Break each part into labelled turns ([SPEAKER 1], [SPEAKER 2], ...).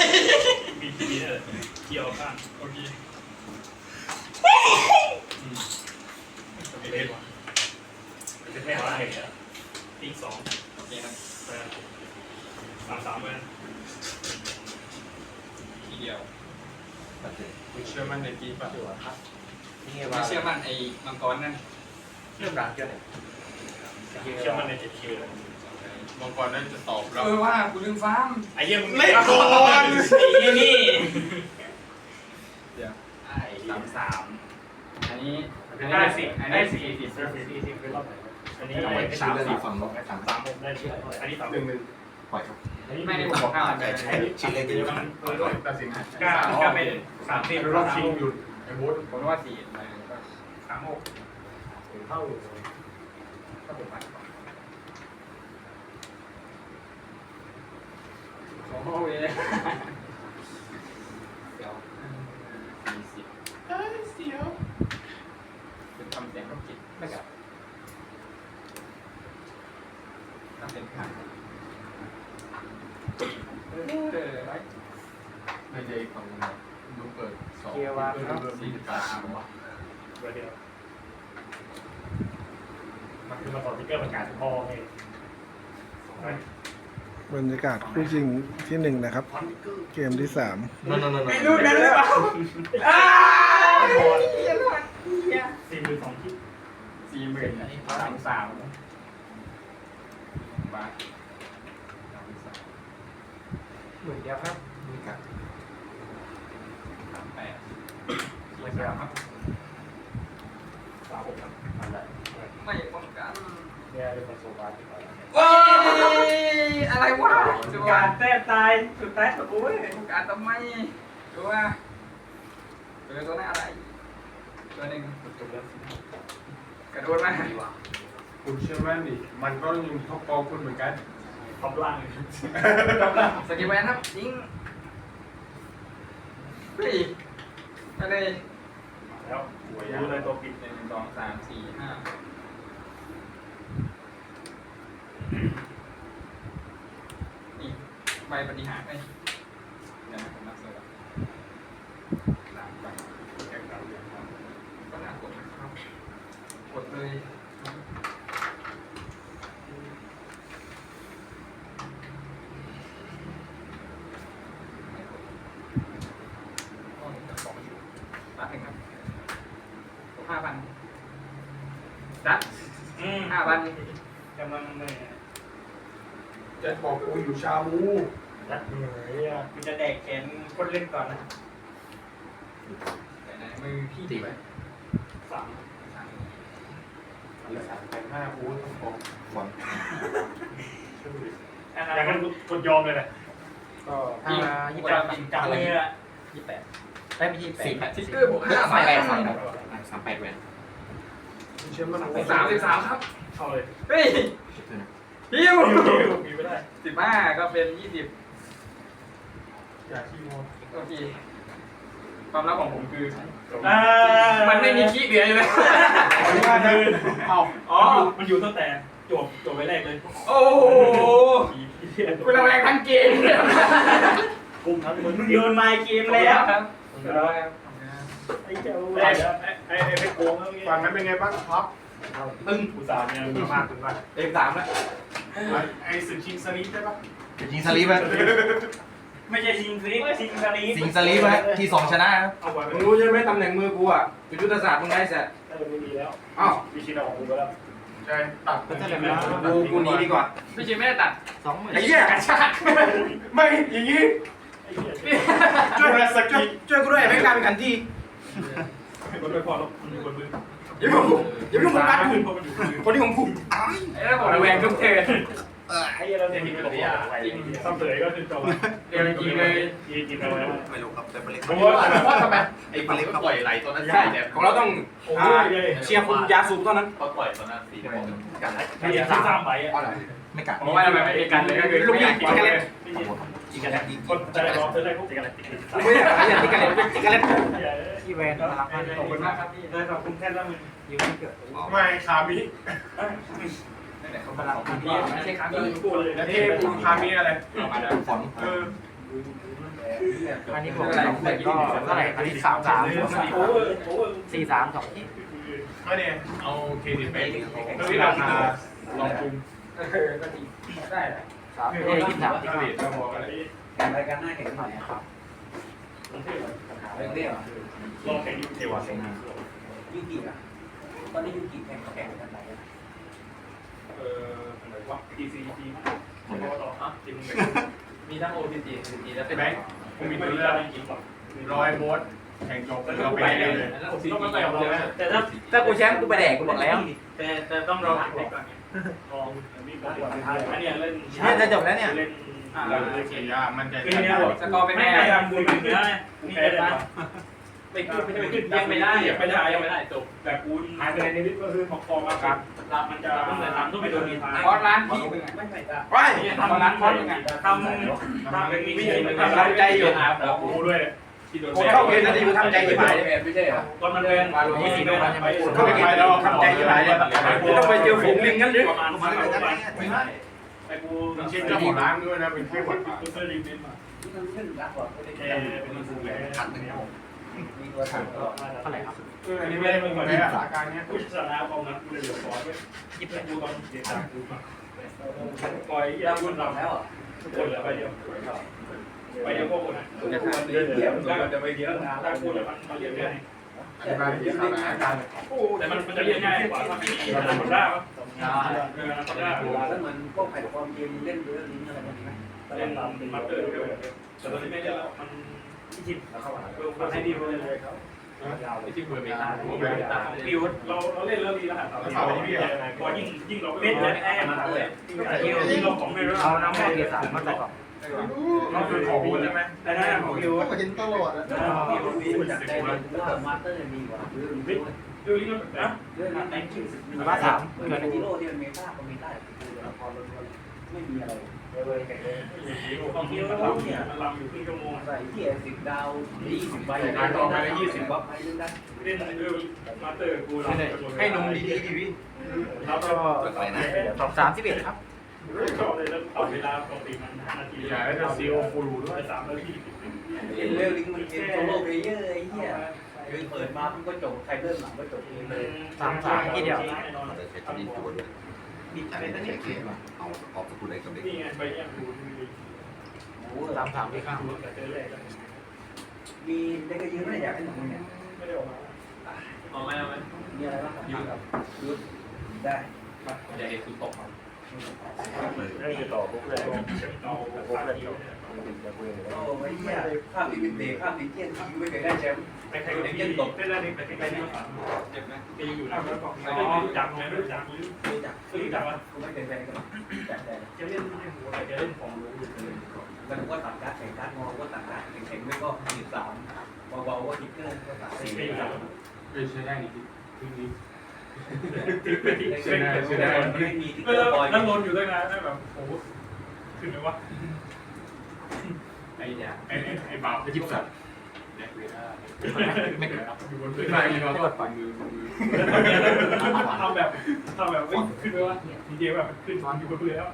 [SPEAKER 1] มีทีเลยเกี่ยวข้างโอเคเล่นวะจะแพ้อะไรเนี่ยตี2โอเคครับ3-3เลยทีเดียวคุณเชื่อมั่นในปีป่ะไม่เชื่อมั่นไอ้มังกรนั่นเรื่องการเกิดเชื่อมั่นใน7 คิวมังกรนั่นจะตอบเรา
[SPEAKER 2] ว่ากูลืมฟาร์ม
[SPEAKER 1] ไอ้เหี้ยมึงไม่ก่อนไอ้นี่เดี๋ยว
[SPEAKER 2] 3-3อันนี้
[SPEAKER 1] ได้10
[SPEAKER 2] อันนี้40
[SPEAKER 1] เป็นรอบไหนอันนี้
[SPEAKER 3] ฝั่งลบ
[SPEAKER 1] 3ได้ชื่ออันนี้
[SPEAKER 3] 1ปล่อยครับ
[SPEAKER 2] ไม่ได้บอก5แต่ใช้
[SPEAKER 3] ชิ้นเล็กดีมัน
[SPEAKER 1] ตัดสินก็เป็น30รอบชิงหยุดไอ้บูธ
[SPEAKER 2] ผมว่า4
[SPEAKER 1] 3-6เท่าอยู่
[SPEAKER 2] ถ้าผมไปโอ้โหเดี๋ยว40เสียวเป็นทำเสียงต้องคิดไม่กับทำเป็นผ่าน
[SPEAKER 1] ไม่ใช่ฝั่งดูเปิด2
[SPEAKER 2] เกียร์ว่าครับ
[SPEAKER 1] 4การวะเดียวมันคือมาต่อที่เกิดประกาศพ่อให้
[SPEAKER 4] บรรยากาศคู่จริงที่1นะครับเกมที่3
[SPEAKER 2] ไม่รู้นะหรือเปล่า
[SPEAKER 1] 42 คิด
[SPEAKER 2] 40,000อันนี้33บาท10,000เดียวครับ38ไม่เดียวครับ
[SPEAKER 1] 36ครับอะไร
[SPEAKER 2] ไม่ป้องกัน
[SPEAKER 1] เนี่ยเป็นคนโซบาที่เขา
[SPEAKER 2] ว้ายอะไรวะ
[SPEAKER 1] การแต้มตายสุดท้ายสุดโอ้ย
[SPEAKER 2] การทำไมดูว่าตัวนั้นอะไรตัวหนึ่งกระโดดมา
[SPEAKER 1] คุณเชื่อมั่นดิมันก็ยังท็อปปอคุณเหมือนกันท็อปล่าง
[SPEAKER 2] สกิลแวนครับยิงเฮ้ยไปเลย
[SPEAKER 1] แล้วรู้เลยตัวปิด
[SPEAKER 2] 1 2 3 4 5นี่ใบปฏิหารไอ้เนี่ยผมนับเสร็จแล้วหลังไป
[SPEAKER 1] แข่งขันอย่างนั้น
[SPEAKER 2] ก็น่ากดนะครับกดเลยรัดหนึ่งครับ5,000รัด5,000
[SPEAKER 1] กำลังเลย
[SPEAKER 3] จะบอกกูอยู่ชาบู
[SPEAKER 1] รัดเหนื่อยอ่ะกูจะแดกแขนคนเล่นก่อนนะ
[SPEAKER 2] ไหนมือพี่ตีไว้
[SPEAKER 1] 3
[SPEAKER 3] 5บูธของบอล
[SPEAKER 1] อย่างนั้นกดยอมเลยนะ
[SPEAKER 2] ก็28จังเลยอ่ะ28ได้ไม่28ซิกเกอร์บวก5
[SPEAKER 3] 38แวน
[SPEAKER 1] เชื่อมัน
[SPEAKER 2] 33ครับ
[SPEAKER 1] เข้าเลย
[SPEAKER 2] เฮ้ยฮิว
[SPEAKER 1] มีไม่ได้
[SPEAKER 2] 15ก็เป็น20
[SPEAKER 1] อย่าขี้โม้
[SPEAKER 2] โอเคความลับของผมคือมันไม่มีขี้เหลืออยู่เลย
[SPEAKER 1] มันอยู่ตั้งแต่จบไปแรกเลย
[SPEAKER 2] โอ้คุณระแวงทั้งเกม
[SPEAKER 1] กุมทั้งมึงโยนไมค์เกมแล้ว
[SPEAKER 2] ครับ
[SPEAKER 1] ไอ้เจ้าไอ้ไปโกงฝั่งนั้นเป็นไงบ้างครับตึ้งอุตส่าห์เนี่ยมากถึงมาก
[SPEAKER 2] 3แล้ว
[SPEAKER 1] ไอ้สึกชิงสลีปใช่ปะ
[SPEAKER 3] ชิงสลีปไหม
[SPEAKER 1] ไม่ใช่ชิงสลีปชิงสลีป
[SPEAKER 3] ชิงสลีปไหมที่2ชนะ
[SPEAKER 2] มึงรู้ใช่ไหมตำแหน่งมือกูอ่ะเป็นยุทธศาสตร์มึงได้เสร็จ
[SPEAKER 1] ไม่มีแล้ววิชิตเอาของกูแล้ว
[SPEAKER 3] ใช่ตัด
[SPEAKER 1] ก็จะแล้ว
[SPEAKER 2] กูนี้ดีกว่าพี่ชิไม่ได้ตัด
[SPEAKER 3] 20,000
[SPEAKER 2] ไอ้เหี้ยกระชาก
[SPEAKER 1] ไม่อย่างงี้ช่วยสกิ
[SPEAKER 2] ช่วยกูด้วยไม่กลายเป็นกันที่
[SPEAKER 1] คนไม่พอแล้วมีคนมือ
[SPEAKER 2] อย่ามึงกัดคนที่ผมผูกไอ้แล้วบอกระแวงทุกเทน
[SPEAKER 1] ไอ้เราเนี่ยมีตัวซ้ำเสยก็คือจบ
[SPEAKER 2] เดี๋ยวจริงเลย
[SPEAKER 1] กินเอาไว้
[SPEAKER 3] ไม่รู้ครับแต่ปลาเล็ก
[SPEAKER 2] เพราะทำไม
[SPEAKER 3] ไอ้ปลาเล็กปล่อยไหลตอนนั้น
[SPEAKER 2] ใช่ของเราต้องเชียร์คุณยาสูบเท่านั้น
[SPEAKER 3] เขาปล่อยตอนนั้น4บอก
[SPEAKER 1] กันไม่ได้3 ใบ
[SPEAKER 3] ไม่กัด
[SPEAKER 2] เพราะว่าทำไมไม่กันเลยก็คือลูกยิงกันเลย
[SPEAKER 1] ยิงกันแล้วคนจะได้รอจะได้พวกยิงกันแล้ว
[SPEAKER 2] ไม่อยากยิงกันเลยยิงกันเลย
[SPEAKER 1] ที่แวนนะครับ
[SPEAKER 2] ขอบคุณมากครับพี่
[SPEAKER 1] ได้ขอบคุณแค่แล้วมึง
[SPEAKER 2] ยิ้มไม่เกิด
[SPEAKER 1] ไม่คามิ
[SPEAKER 2] เขาพลังพี่ไม่ใช่คามิ
[SPEAKER 1] กูเลยนะเทพคามิอะไร
[SPEAKER 3] ฝน
[SPEAKER 5] อันนี้ผม2หมื่นก็เท่าไหร่อันนี้33 43 2ที่
[SPEAKER 1] ก็เนี่ยเอาเครดิตไปที่ราคาลองคุม
[SPEAKER 2] ก็ดีได้แหละ
[SPEAKER 5] 23
[SPEAKER 1] เครดิตก็พอแล้ว
[SPEAKER 2] แข่งรายการหน้าแข่งหน่อยครับเรื่องเรียก
[SPEAKER 1] ลองแข่งยูเทวะ
[SPEAKER 2] ยูกิอ่ะตอนนี้ยูกิแข่งเขาแข่งกันไหน
[SPEAKER 1] อะไรวะ TCG ผมก็ต่อจริง
[SPEAKER 2] มีทั้ง OTG แล้วเป็น
[SPEAKER 1] แบงค์ผมมีตัวเลือก100 โบสแข่งจบเราไปได้เลยต้องมาใส่ของเราแต่ถ้ากูแชมป์กูไปแดกกูบอกแล้วแต่ต้องรอก่อนลองอันนี้เล่น
[SPEAKER 5] เนี่ยจะจบแล้วเนี่ย
[SPEAKER 1] เล่นเขียนยามันจะ
[SPEAKER 2] สกอร์เป็นไง
[SPEAKER 1] ไม่ทำบุญแบบนี้นี่ได้ปะไม่ขึ้นยังไม่ได้จบแต่กูหายไปในนิดก็คือของคอมาครับมันจะต้องเลยทำต้องไปโดนดีท้าย
[SPEAKER 2] คอร์สร้านพี่เป็นไงไม่จ้ะ
[SPEAKER 1] ว้าย
[SPEAKER 2] ทำร้านคอร์สเป็นไง
[SPEAKER 1] ทำเป็นวิธีมันทำใจอยู่แล้วกูด้วยที่โดน
[SPEAKER 2] เข้าเกณฑ์นาทีกูทำใจอยู่ไหนไม่ใช่เหรอ
[SPEAKER 1] ตอนมันเดิน
[SPEAKER 5] นี่สิโดนใช่ไหม
[SPEAKER 1] เข้าไปแล้วทำใจอยู่ไหนเนี่ยต้องไปเจอฝูงลิงงั้นหรือประมาณไอ้กูเป็นเช่นเจ้าของร้านด้วยนะเป็นแค่คนกูเคยรีวิวมา
[SPEAKER 2] ที่มันขึ้นร้านก่อนก็ได้
[SPEAKER 1] แค่เป็นสูงเลยขัดหนึ่ง
[SPEAKER 2] มีตัวถังก็
[SPEAKER 5] เท่าไหร่ครับ
[SPEAKER 1] อันนี้ไม่ได้เป็นคนในสถานการณ์นี้กูชนะกองนั้นกูเลยเหลือร้อยไว้ยิบให้กูตอนเด็กต่างกูปล่อยยาบุญเราแล้วทุกคนเหลือไปเดียวไปเดียวพวกคนนะจะไปเดียวนะถ้าพูดแล้วมันเรียนง่ายแต่มันจะเรียนง่ายกว่าถ้ามีนาคอด้านาคอด้า
[SPEAKER 2] แล้วเหมือนพวกแพลตฟอร์มเกมเล่นเรื่องนี้อะไรแบบนี้ไหม
[SPEAKER 1] เล่นเป็นมาสเตอร์ด้วยแต่ตอนนี้ไม่ได้แล้วมันที่จิตแล้วเข้ามามันให้ดีเลยครับที่เปิดเมตาบิวเราเล่นเรื่องนี้แล้วครับเราพี่พอยิ่งเราเล่นแน่มาเลยยิ่งเราของไม่รู้
[SPEAKER 5] เอาน้ำมันเกียร์3มาใส่ก่อน
[SPEAKER 1] เราคือของบูใช่ไหมแต่นั่นของบิว
[SPEAKER 4] ก็เห็นตลอดอะ
[SPEAKER 2] พี่รู้จักใจเลยว่ามาสเตอร์มีกว่าเรื่องนี้
[SPEAKER 1] ดูนี่นะ
[SPEAKER 2] เรื่องนี้แรงกิ้งเกินฮีโร่ที่มันเมตาก็มีได้คือละครล้วนๆไม่มีอะไร
[SPEAKER 1] ของบิวเนี่ยมันลำอยู่ครึ่งชั่วโมง
[SPEAKER 2] ใส่ที่10 ดาว20 ใบ20 วับไปเล่นได้
[SPEAKER 1] เล่นเรื่องมาสเตอร์กูเราให้นมดีๆดิพี่
[SPEAKER 5] แล้วก็31ครับ
[SPEAKER 1] ชอบเลยแล้วต่อเวลาปกติมัน5 นาทีอย่าให้จะซีโอฟูรูด้วย3 นาที
[SPEAKER 2] เล่นเรื่องนี้มันเกมโซโล่เพลเยอร์ไอ้เหี้ยคือเปิดมามันก็จบใครเริ่มหลังก็จบเองเลย
[SPEAKER 5] 33ที่เดียว
[SPEAKER 3] นี่อะไรนะเช็คเอาออกสกุลอะไรกับเด็ก
[SPEAKER 1] นี่ไงไปยังดู
[SPEAKER 2] โอ้
[SPEAKER 5] 33ที่ข้าง
[SPEAKER 1] แต่เจอแรก
[SPEAKER 2] มีเด็กก็ยืนไม่อยากให้หนังเนี่ย
[SPEAKER 1] ไม่ได้ออกมาออกไหม
[SPEAKER 2] มีอะไรบ้างยืนกับยืนได้
[SPEAKER 1] จะเห็นคือตก
[SPEAKER 3] เลย
[SPEAKER 1] ต่อพวกเลยต่อพวกเลย
[SPEAKER 2] โอ้ไม่เหี้ยภาพนี้เป็นเด็กภาพนี้เกี้ยนที่ไม่เคยได้แชมป์
[SPEAKER 1] ใครๆก็ได้ยินตกได้แล้วนี่แต่ใครๆนี่เจ็บไหมแกยังอยู่นะไม่รู้จักไหมไม่รู้จักหรือ
[SPEAKER 2] รู้จัก
[SPEAKER 1] รู้จักว่า
[SPEAKER 2] กูไม่เป็นแฟนกันจักแต่
[SPEAKER 1] จะเล่นหัวอะไรจะเล่นของรู้อยู่
[SPEAKER 2] มันก็ตัดการ์ดแข่งการ์ดงอก็ตัดการ์ดแข่งไม่ก็13เบาๆก็ทิกเกอร์ก็ตัด
[SPEAKER 1] ไม่
[SPEAKER 2] 4
[SPEAKER 1] รู้จักเลยใช้ได้นี่ทีนี้
[SPEAKER 2] ไม่มีทิกเกอร์บอย
[SPEAKER 1] นั่งลนอยู่ด้วยนะได้แบบโอ้ขึ้นไหมวะไอ้เนี่ยไอ้บาปจะยิบสัตว์ไม่เกิดอยู่บนพื้นไม่เราต้องปั่นมือทำแบบขึ้นไหมวะดีเจแบบขึ้นอยู่บนพื้นแล้ว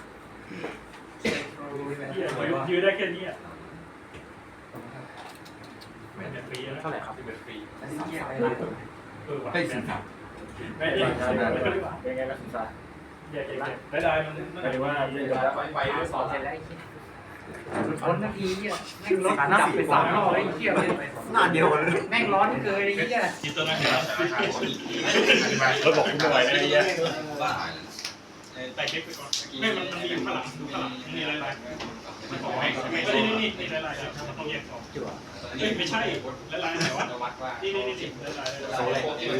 [SPEAKER 1] ยืนได้แค่นี้อ่ะเป็นฟรีแล้ว
[SPEAKER 5] เท่าไหร่ครับ
[SPEAKER 1] เป็นฟรี
[SPEAKER 2] อันนี้เหี้ยอะไร
[SPEAKER 1] ได้สิครับไม่ได้เป็นไงล่ะสิครับได้มันไม่ได้ว่าไปด้วยสอน
[SPEAKER 5] เสร็จแล้วคนนาทีเนี่ยแม่งรถดับไป3 รอบไอ้เหี้ย
[SPEAKER 3] หน้าเดียวกันเลย
[SPEAKER 5] แม่งร้อนเกินไอ้เหี้ย
[SPEAKER 1] คิดตัวนั้นแล้วรถบอกคุณบ่อยนะไอ้เหี้ยแต่คลิปไปก่อนไม่มันมีข้างหลังดูข้างหลังนี่อะไรมันบอกให้ไม่นี่อะไรมันต้องแยกสองไม่ใช่อะไรไหนวะนี่อะไรโซ่เลย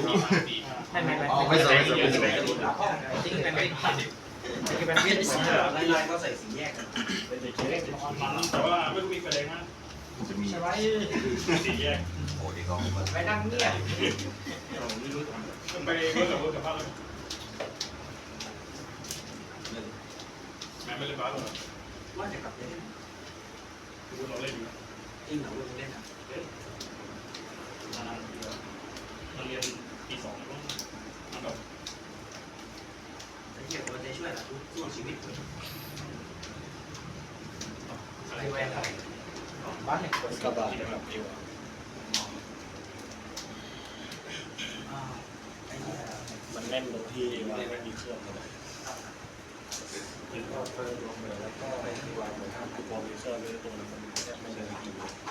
[SPEAKER 5] ไม่
[SPEAKER 3] เอาไม่ใส่
[SPEAKER 5] ทิ้งไปไม่คือเป็นเวียด
[SPEAKER 2] ลายก็ใส่สีแยกกัน
[SPEAKER 1] แต่ว่าไม่รู้มีประเด็นนะ
[SPEAKER 3] จะมี
[SPEAKER 1] สีแยก
[SPEAKER 3] โอ้ดีก็
[SPEAKER 5] ไปนั่งเงียบ
[SPEAKER 1] ไม่รู้มันไปเมื่อกับภาพเลยแม่ไม่เล่นบ้าหรอ
[SPEAKER 2] ว่าจะกลับเล่น
[SPEAKER 1] คือเราเล่นอยู่
[SPEAKER 2] จริงเหรอเล่นเล่นอ่ะ
[SPEAKER 1] เราเรียนปี2แล้วมันแบบ
[SPEAKER 2] ไอ้เหี้ยมันจะช่วยสู้ชีวิต
[SPEAKER 1] อะไรแหวนอะไร
[SPEAKER 5] บ้านหนึ่งคน
[SPEAKER 6] กระบะนะครับเอว มันแน่นตรงที่ว่าไม่มีเครื่องเลยถึงก็เพิ่มลงเลยแล้วก็ไปที่วางเลยครับพอมีเครื่องเลยตัวมันไม่ได้ดี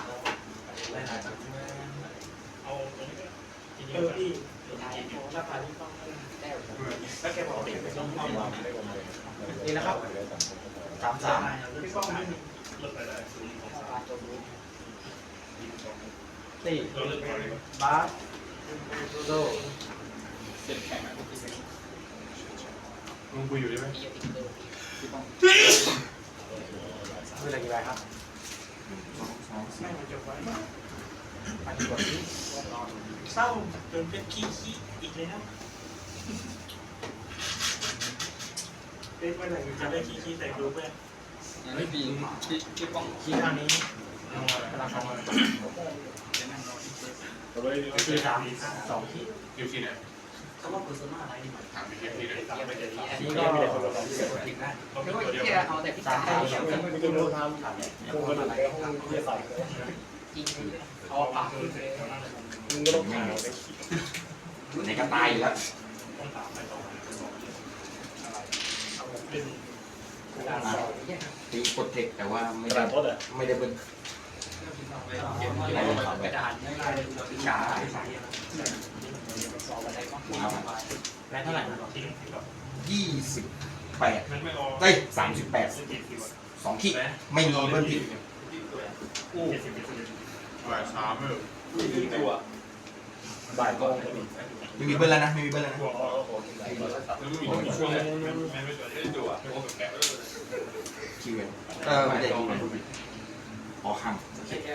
[SPEAKER 6] เอาตรงนี้ก็ที่ราคาที่ต้องได้แล้วแกบอกเด็กไม่ต้องเอาวางได้วางเลย
[SPEAKER 5] นี่นะครับ33พี่ป้อง
[SPEAKER 6] ลดไปได้ศูนย์ของสาม
[SPEAKER 5] สี่
[SPEAKER 6] เราเลือกพอดี
[SPEAKER 5] บาสโซ
[SPEAKER 1] เสร็จแข่งมึงคุยอยู่ใช่ไหม
[SPEAKER 5] คืออะไรกี่ใบครับอันนี้กดที่
[SPEAKER 6] เศร้าจนเป็นขี้อีกแล้วเป็นเมื่อไหร่จะได้ขี้ใส่ดูเพื่อน
[SPEAKER 1] ยังไม่ปีที่ป้อง
[SPEAKER 5] คีย์ข้างนี้กำลังทำ
[SPEAKER 6] คือสาม
[SPEAKER 5] 2คีย์
[SPEAKER 1] อยู่ที่ไหน
[SPEAKER 5] คำว่า persona อะไรนี่หมาย
[SPEAKER 1] ถามไปที่นี่เลย
[SPEAKER 5] นี่ก็
[SPEAKER 6] เราเป็นตัวเดียว
[SPEAKER 5] เอาแต่พี่จ๋าให้
[SPEAKER 6] ไม่ต้องรู้ทำคงเป็นอะไรห้องวิทยาศาสตร์
[SPEAKER 5] จริงเอาปาก
[SPEAKER 6] มึงก็ต้องถามไป
[SPEAKER 3] ในกระต่ายแล้ว
[SPEAKER 6] ต้องถามไปต่อเอาเป็น
[SPEAKER 3] ตีกดเทคแต่ว่าไม่
[SPEAKER 6] กระ
[SPEAKER 3] ได้
[SPEAKER 6] ดาษทดอ่ะ
[SPEAKER 3] ไม่ได้เบิ้ล
[SPEAKER 5] กระดาษพี่จ๋าแรงเท่าไหร่นะ
[SPEAKER 3] 28
[SPEAKER 6] มันไม่ออก
[SPEAKER 3] เอ้ย38 2ขีดไม่มีเบิ้ลผิด
[SPEAKER 1] บ่ายสามเลย
[SPEAKER 6] บ่ายก็
[SPEAKER 3] ไม่มีเบิ้ลแล้วนะไม่มีเบิ้ลแล้วนะ
[SPEAKER 6] หัวออก
[SPEAKER 1] แล้วมีช่วงไม่ได้ดูอ่ะโอ้แปลก
[SPEAKER 3] คิวไม่ได้อ๋อข้าง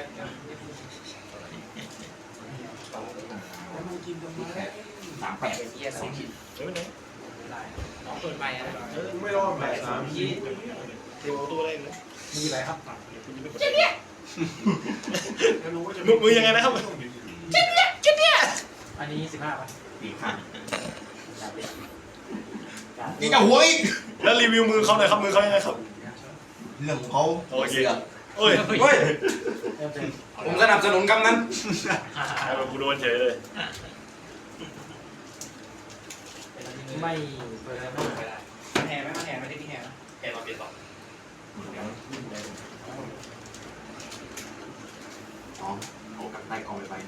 [SPEAKER 3] 38 2ขีด
[SPEAKER 6] เฮ้ยไหน
[SPEAKER 5] เปิดใหม่นะ
[SPEAKER 1] ไม่รอดบ่ายสาม
[SPEAKER 6] เทวตัวอะไรเลย
[SPEAKER 5] มีอะไรครับ
[SPEAKER 6] มือยังไงนะครับ
[SPEAKER 5] อันนี้15ป่ะ
[SPEAKER 3] ปีกข้างนี่จะหัวอีก
[SPEAKER 6] แล้วรีวิวมือเขาหน่อยครับมือเขายังไงครับ
[SPEAKER 3] เรื่องของเขา
[SPEAKER 6] โอเคโอ้ย
[SPEAKER 3] เฮ้ย
[SPEAKER 5] เริ่มเต็ม
[SPEAKER 3] ผมสนับสนุนกำนั้น
[SPEAKER 6] แล้วกูโดนเฉยเลย
[SPEAKER 5] ไม่เปิดไม่ได้
[SPEAKER 2] แห่ไหมมาแห่ไม่ได้ที่แห่นะ
[SPEAKER 1] แกมาเปลี่ยนต่อ
[SPEAKER 3] อ๋อเอากับใต้กองไป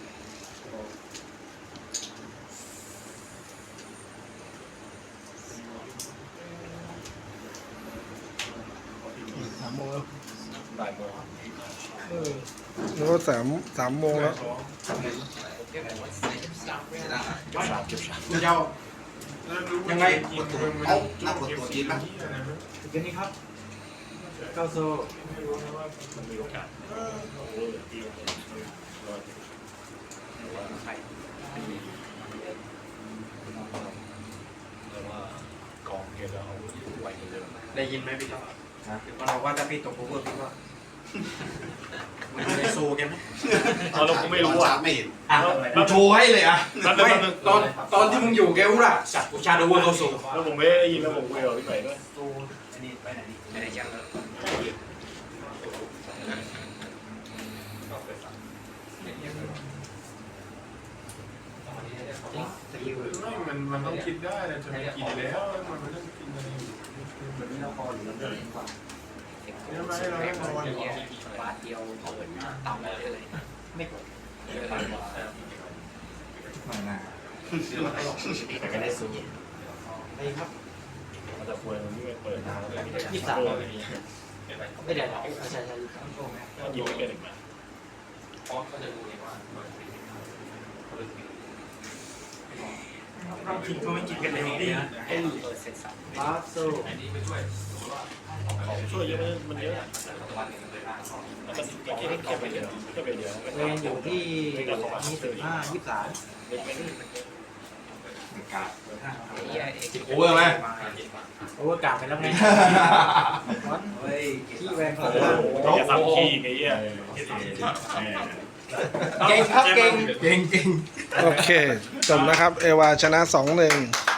[SPEAKER 4] 3 โมงแล้ว
[SPEAKER 6] บ่ายโมง
[SPEAKER 4] แล้วก็3 โมงแล้ว
[SPEAKER 6] เก็บฉาก
[SPEAKER 3] เจ้ายังไงเอาหน้ากดตัวจีนนะ
[SPEAKER 5] ถึงนี้ครับเก้าโซ
[SPEAKER 6] ไม่รู้นะว่ามันมีโอกาสแต่ว่ากองเกมเราไปเรื่อย
[SPEAKER 2] ได้ยินไหมพี่ท็อปเราว่าถ้าพี่ตกโอเวอร์พี่ว่ามันจะได้โซ่แกไหม
[SPEAKER 6] ๆเราก็ไม่รู้อ่ะ
[SPEAKER 3] ไม่เห็นอ่ะกูโชว์ให้เลยอ่ะ
[SPEAKER 2] ตอนที่มึงอยู่แกรู้ล่ะจับกูชาโดเวอร์เขาโซ่
[SPEAKER 6] แล้วผมไม่ได้ยินแล้วผมคุยกับพี่ใหม่ด้วย
[SPEAKER 2] ไม่ได้ยังเลย
[SPEAKER 1] มันต้องคิดได้นะจะกินแล้วมันไม่ต้องกินอะไรอยู่
[SPEAKER 5] แบบนี้เราพอหรือเราเดินกว่า
[SPEAKER 1] ใช่ไหมเราต้องนอน
[SPEAKER 5] บาทเดียวเปิดต่ำเลยไม่กด
[SPEAKER 3] ไม่น่าแต่ก็ได้สูง
[SPEAKER 5] ไปครับ
[SPEAKER 6] มันจะคุยมันไม่เปิดทางแล้ว
[SPEAKER 5] 23ไม่ได้ใช่
[SPEAKER 6] ยิงไม่เป็นอีกไหม
[SPEAKER 2] กินก็ไม่กินกันเลยดีนะ
[SPEAKER 5] บาสโซ
[SPEAKER 6] ของช่วยเยอะมันเยอะแล้วก็แค่ไปเดียวแค่ไปเดียว
[SPEAKER 5] เวนอยู่ที่25 23
[SPEAKER 6] เล็กไม่ได้
[SPEAKER 3] กาดโอเวอร์ไหม
[SPEAKER 5] โอเวอร์กลางไปแล้วไงที่แวนของ
[SPEAKER 6] อย่าซ้ำขี้ไอ้เหี้ย
[SPEAKER 5] เก่งครับเก่ง
[SPEAKER 3] เก่ง
[SPEAKER 4] โอเค จบนะครับ เอวาชนะ 2-1